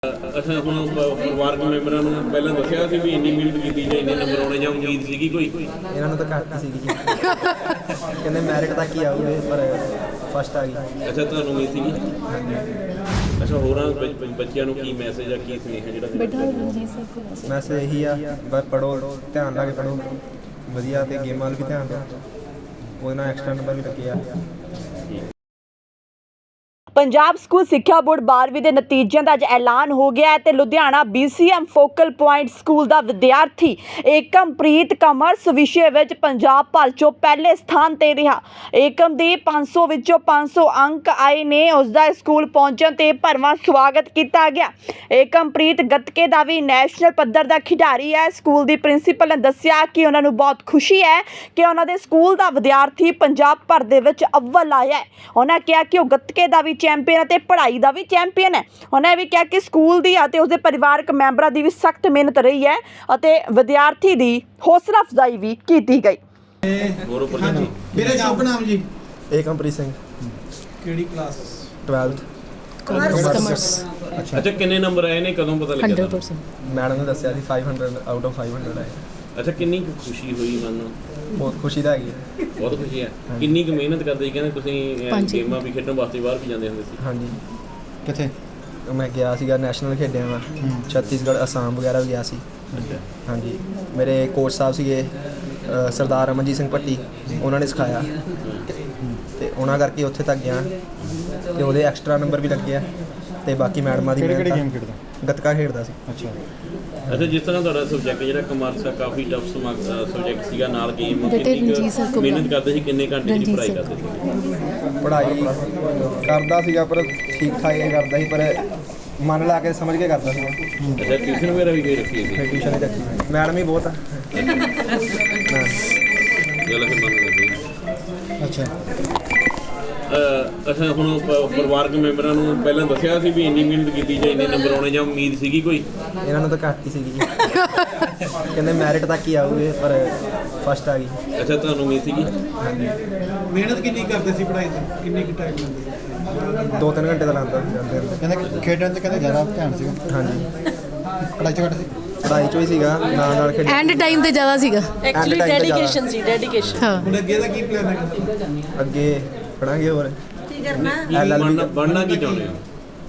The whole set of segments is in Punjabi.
अच्छा ਹੁਣ ਪਰਿਵਾਰਕ ਮੈਂਬਰਾਂ ਨੂੰ ਪਹਿਲਾਂ ਦੱਸਿਆ ਸੀ ਵੀ ਇੰਨੀ ਮਿਹਨਤ ਕੀਤੀ ਜਾਂ ਇੰਨੇ ਨੰਬਰ ਆਉਣੇ ਜਾਂ ਉਮੀਦ ਸੀਗੀ ਕੋਈ? ਇਹਨਾਂ ਨੂੰ ਤਾਂ ਘੱਟ ਸੀਗੀ ਜੀ। ਕਹਿੰਦੇ ਮੈਰਿਟ ਤੱਕ ਹੀ ਆਊਗੇ ਪਰ ਫਸਟ ਆ ਗਈ। ਅੱਛਾ ਤੁਹਾਨੂੰ ਉਮੀਦ ਸੀਗੀ? ਅੱਛਾ ਹੋਰਾਂ ਬੱਚਿਆਂ ਨੂੰ ਕੀ ਮੈਸੇਜ ਆ ਕੀ ਸੁਨੇਹਾ ਜਿਹੜਾ ਮੈਸੇਜ ਇਹੀ ਆ ਬਸ ਪੜ੍ਹੋ, ਧਿਆਨ ਲਾ ਕੇ ਪੜ੍ਹੋ ਵਧੀਆ ਤੇ ਗੇਮਾਂ ਵੱਲ ਵੀ ਧਿਆਨ ਦਿਓ, ਉਹਦੇ ਨਾਲ ਐਕਸਟਰਾ ਨੰਬਰ ਵੀ ਲੱਗੇ ਆ। ਪੰਜਾਬ ਸਕੂਲ ਸਿੱਖਿਆ ਬੋਰਡ 12ਵੀਂ ਦੇ ਨਤੀਜਿਆਂ ਦਾ ਅੱਜ ਐਲਾਨ ਹੋ ਗਿਆ ਹੈ ਤੇ Ludhiana BCM focal point school ਦਾ ਵਿਦਿਆਰਥੀ ਏਕਮਪ੍ਰੀਤ ਕਮਰਸ ਵਿਸ਼ੇ ਵਿੱਚ ਪੰਜਾਬ ਭਰ ਚੋਂ ਪਹਿਲੇ ਸਥਾਨ ਤੇ ਰਿਹਾ। ਏਕਮ ਦੇ 500 ਵਿੱਚੋਂ 500 ਅੰਕ ਆਏ ਨੇ। ਉਸ ਦਾ ਸਕੂਲ ਪਹੁੰਚਣ ਤੇ ਭਰਵਾਂ ਸਵਾਗਤ ਕੀਤਾ ਗਿਆ। ਏਕਮਪ੍ਰੀਤ ਗੱਤਕੇ ਦਾ ਵੀ ਨੈਸ਼ਨਲ ਪੱਧਰ ਦਾ ਖਿਡਾਰੀ ਹੈ। ਸਕੂਲ ਦੀ ਪ੍ਰਿੰਸੀਪਲ ਨੇ ਦੱਸਿਆ ਕਿ ਉਹਨਾਂ ਨੂੰ ਬਹੁਤ ਖੁਸ਼ੀ ਹੈ ਕਿ ਉਹਨਾਂ ਦੇ ਸਕੂਲ ਦਾ ਵਿਦਿਆਰਥੀ ਪੰਜਾਬ ਭਰ ਦੇ ਵਿੱਚ ਅੱਵਲ ਆਇਆ ਹੈ। ਉਹਨਾਂ ਕਿਹਾ ਕਿ ਉਹ ਗੱਤਕੇ ਦਾ ਵੀ ਚੈਂਪੀਅਨ ਅਤੇ ਪੜ੍ਹਾਈ ਦਾ ਵੀ ਚੈਂਪੀਅਨ ਹੈ। ਉਹਨਾਂ ਵੀ ਕਿਹਾ ਕਿ ਸਕੂਲ ਦੀ ਅਤੇ ਉਸਦੇ ਪਰਿਵਾਰਕ ਮੈਂਬਰਾਂ ਦੀ ਵੀ ਸਖਤ ਮਿਹਨਤ ਰਹੀ ਹੈ ਅਤੇ ਵਿਦਿਆਰਥੀ ਦੀ ਹੌਸਲਾ ਅਫਜ਼ਾਈ ਵੀ ਕੀਤੀ ਗਈ। ਮੇਰੇ ਸ਼ੁਭ ਨਾਮ ਜੀ ਏਕਮਪ੍ਰੀਤ ਸਿੰਘ। ਕਿਹੜੀ ਕਲਾਸ? 12th commerce. ਅੱਛਾ ਕਿੰਨੇ ਨੰਬਰ ਆਏ ਨੇ, ਕਦੋਂ ਪਤਾ ਲੱਗਿਆ? 100%। ਮੈਡਮ ਨੇ ਦੱਸਿਆ ਸੀ 500 ਆਊਟ ਆਫ 500 ਆਏ। ਅੱਛਾ ਕਿੰਨੀ ਕੁ ਖੁਸ਼ੀ ਹੋਈ ਮਨ ਨੂੰ? ਬਹੁਤ ਖੁਸ਼ੀ ਦਾ ਹੈਗੀ ਹੈ। ਬਹੁਤ ਖੁਸ਼ੀ ਹੈ। ਕਿੰਨੀ ਕੁ ਮਿਹਨਤ ਕਰਦੇ ਸੀ? ਕਹਿੰਦੇ ਤੁਸੀਂ ਗੇਮਾਂ ਵੀ ਖੇਡਣ ਵਾਸਤੇ ਬਾਹਰ ਵੀ ਜਾਂਦੇ ਹੁੰਦੇ ਸੀ? ਹਾਂਜੀ ਕਿੱਥੇ? ਮੈਂ ਗਿਆ ਸੀਗਾ, ਨੈਸ਼ਨਲ ਖੇਡਿਆ ਮੈਂ ਛੱਤੀਸਗੜ੍ਹ, ਅਸਾਮ ਵਗੈਰਾ ਵੀ ਗਿਆ ਸੀ। ਹਾਂਜੀ ਮੇਰੇ ਕੋਚ ਸਾਹਿਬ ਸੀਗੇ ਸਰਦਾਰ ਅਮਨਜੀਤ ਸਿੰਘ ਭੱਟੀ, ਉਹਨਾਂ ਨੇ ਸਿਖਾਇਆ ਤੇ ਉਹਨਾਂ ਕਰਕੇ ਉੱਥੇ ਤੱਕ ਗਿਆ ਤੇ ਉਹਦੇ ਐਕਸਟਰਾ ਨੰਬਰ ਵੀ ਲੱਗੇ ਆ ਤੇ ਬਾਕੀ ਮੈਡਮਾਂ ਦੀ ਕਿਹੜੀ ਗੇਮ ਮਿਹਨਤ। ਖੇਡਦਾ? ਗੱਤਕਾ ਖੇਡਦਾ ਸੀ। ਅੱਛਾ ਜਿਸ ਤਰ੍ਹਾਂ ਤੁਹਾਡਾ ਸਬਜੈਕਟ ਜਿਹੜਾ ਕਮਰਸ ਆ ਕਾਫੀ ਟਫ ਸਬਜੈਕਟ ਸੀਗਾ, ਨਾਲ ਗੇਮ ਬੇਟੇ ਕਿੰਨੀ ਰਣਜੀਤ ਸਰ ਕੁ ਕੋਲ ਮਿਹਨਤ ਕਰਦੇ ਸੀ? ਕਿੰਨੇ ਘੰਟੇ ਦੀ ਰਣਜੀਤ ਪੜ੍ਹਾਈ ਸਰ। ਕਰਦੇ ਸੀ? ਪੜ੍ਹਾਈ ਕਰਦਾ ਸੀਗਾ ਪਰ ਠੀਕ ਠਾਕ ਹੀ ਕਰਦਾ ਸੀ, ਪਰ ਮਨ ਲਾ ਕੇ ਸਮਝ ਕੇ ਕਰਦਾ ਸੀਗਾ। ਅੱਛਾ ਟਿਊਸ਼ਨ ਵਗੈਰਾ ਵੀ ਕੋਈ ਰੱਖੀ ਸੀ? ਫਿਰ ਟਿਊਸ਼ਨ ਹੀ ਰੱਖੀ, ਮੈਡਮ ਹੀ ਬਹੁਤ ਆ। ਹਾਂ। ਚਲੋ ਫਿਰ ਮੰਨ ਲੈਂਦੇ ਅੱਛਾ ਅੱਛਾ ਹੁਣ ਪਰਿਵਾਰਕ ਮੈਂਬਰਾਂ ਨੂੰ ਪਹਿਲਾਂ ਦੱਸਿਆ ਸੀ ਵੀ ਇੰਨੀ ਮਿਹਨਤ ਕੀਤੀ ਜਾਂ ਇੰਨੇ ਨੰਬਰ ਆਉਣੇ ਜਾਂ ਉਮੀਦ ਸੀਗੀ ਕੋਈ? ਇਹਨਾਂ ਨੂੰ ਤਾਂ ਘੱਟ ਹੀ ਸੀਗੀ ਜੀ। ਕਹਿੰਦੇ ਮੈਰਿਟ ਤੱਕ ਹੀ ਆਊਗੇ ਪਰ ਫਸਟ ਆ ਗਈ। ਅੱਛਾ ਤੁਹਾਨੂੰ ਉਮੀਦ ਸੀਗੀ? ਮਿਹਨਤ ਕਿੰਨੀ ਕਰਦੇ ਸੀ ਪੜ੍ਹਾਈ ਤੇ? ਕਿੰਨੀ ਕੁ ਟਾਈਮ ਲਾਉਂਦੇ? 2-3 ਘੰਟੇ ਤਾਂ ਲਾਉਂਦਾ ਸੀ ਜਾਂਦੇ ਹੁੰਦੇ। ਕਹਿੰਦੇ ਖੇਡਣ ਤੇ ਕਹਿੰਦੇ ਜ਼ਿਆਦਾ ਧਿਆਨ ਸੀਗਾ, ਹਾਂਜੀ ਪੜ੍ਹਾਈ 'ਚ ਘੱਟ ਸੀ। ਪੜ੍ਹਾਈ 'ਚ ਵੀ ਸੀਗਾ, ਨਾਲ ਖੇਡ। ਐਂਡ ਟਾਈਮ ਤੇ ਜ਼ਿਆਦਾ ਸੀਗਾ ਐਕਚੁਅਲੀ ਡੈਡੀਕੇਸ਼ਨ ਸੀ, ਡੈਡੀਕੇਸ਼ਨ। ਹਾਂ। ਹੁਣ ਅੱਗੇ ਦਾ ਕੀ ਪਲਾਨ ਹੈ? ਅੱਗੇ ਪੜਾਂਗੇ ਹੋਰ ਕੀ ਬਣਨਾ ਕੀ ਚਾਹੁੰਦੇ ਹੋ?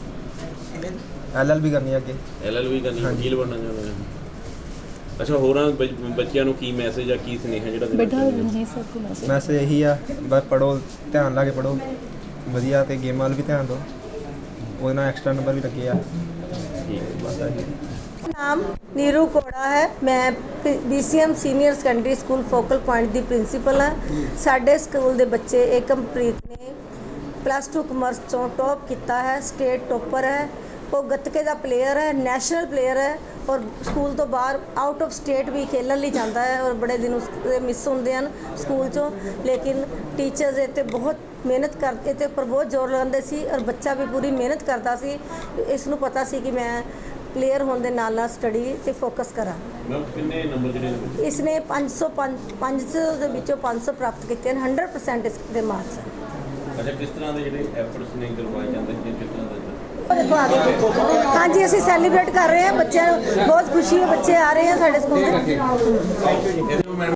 LLB ਕਰਨੀ ਆ ਅੱਗੇ। LLB ਕਰਨੀ, ਵਕੀਲ ਬਣਨਾ ਚਾਹੁੰਦੇ ਹੋ? ਅੱਛਾ ਹੋਰਾਂ ਬੱਚਿਆਂ ਨੂੰ ਕੀ ਮੈਸੇਜ ਆ ਕੀ ਸੁਨੇਹਾ ਜਿਹੜਾ ਬੇਟਾ ਰਣਜੀਤ ਸਰ ਕੋਲ ਮੈਸੇਜ ਇਹੀ ਆ ਬਸ ਪੜ੍ਹੋ, ਧਿਆਨ ਲਾ ਕੇ ਪੜ੍ਹੋ ਵਧੀਆ ਤੇ ਗੇਮਾਂ ਵੱਲ ਵੀ ਧਿਆਨ ਦਿਓ, ਉਹਦੇ ਨਾਲ ਐਕਸਟਰਾ ਨੰਬਰ ਵੀ ਲੱਗੇ ਆ। ਬਸ ਆਹੀ। ਨਾਮ ਨੀਰੂ ਕੋੜਾ ਹੈ। ਮੈਂ BCM senior secondary school focal point ਦੀ ਪ੍ਰਿੰਸੀਪਲ ਹਾਂ। ਸਾਡੇ ਸਕੂਲ ਦੇ ਬੱਚੇ ਏਕਮਪ੍ਰੀਤ ਨੇ +2 ਕਮਰਸ ਤੋਂ ਟੌਪ ਕੀਤਾ ਹੈ, ਸਟੇਟ ਟੋਪਰ ਹੈ। ਉਹ ਗੱਤਕੇ ਦਾ ਪਲੇਅਰ ਹੈ, ਨੈਸ਼ਨਲ ਪਲੇਅਰ ਹੈ ਔਰ ਸਕੂਲ ਤੋਂ ਬਾਹਰ ਆਊਟ ਆਫ ਸਟੇਟ ਵੀ ਖੇਲਣ ਲਈ ਜਾਂਦਾ ਹੈ ਔਰ ਬੜੇ ਦਿਨ ਉਸਦੇ ਮਿਸ ਹੁੰਦੇ ਹਨ ਸਕੂਲ 'ਚੋਂ। ਲੇਕਿਨ ਟੀਚਰਸ ਇਹ 'ਤੇ ਬਹੁਤ ਮਿਹਨਤ ਕਰਦੇ ਤੇ ਉੱਪਰ ਬਹੁਤ ਜ਼ੋਰ ਲਗਾਉਂਦੇ ਸੀ ਔਰ ਬੱਚਾ ਵੀ ਪੂਰੀ ਮਿਹਨਤ ਕਰਦਾ ਸੀ। ਇਸ ਨੂੰ ਪਤਾ ਸੀ ਕਿ ਮੈਂ ਪਲੇਅਰ ਹੋਣ ਦੇ ਨਾਲ ਨਾਲ ਸਟੱਡੀ 'ਤੇ ਫੋਕਸ ਕਰਾਂ। ਕਿੰਨੇ ਨੰਬਰ ਜਿਹੜੇ ਇਸਨੇ 500 ਦੇ ਵਿੱਚੋਂ 500 ਪ੍ਰਾਪਤ ਕੀਤੇ ਹਨ। 100% ਇਸ ਦੇ ਮਾਰਕਸ ਹਨ। ਅੱਛਾ ਕਿਸ ਤਰ੍ਹਾਂ ਦੇ ਜਿਹੜੇ ਐਫਰਟਸ ਨੇ ਕਰਵਾਏ ਜਾਂਦੇ ਨੇ, ਕਿਸ ਤਰ੍ਹਾਂ ਦਾ? ਦੇਖੋ ਆਗੇ ਹਾਂਜੀ ਅਸੀਂ ਸੈਲੀਬ੍ਰੇਟ ਕਰ ਰਹੇ ਹਾਂ, ਬੱਚਿਆਂ ਨੂੰ ਬਹੁਤ ਖੁਸ਼ੀ ਹੈ, ਬੱਚੇ ਆ ਰਹੇ हैं ਸਾਡੇ ਸਕੂਲ ਦੇ।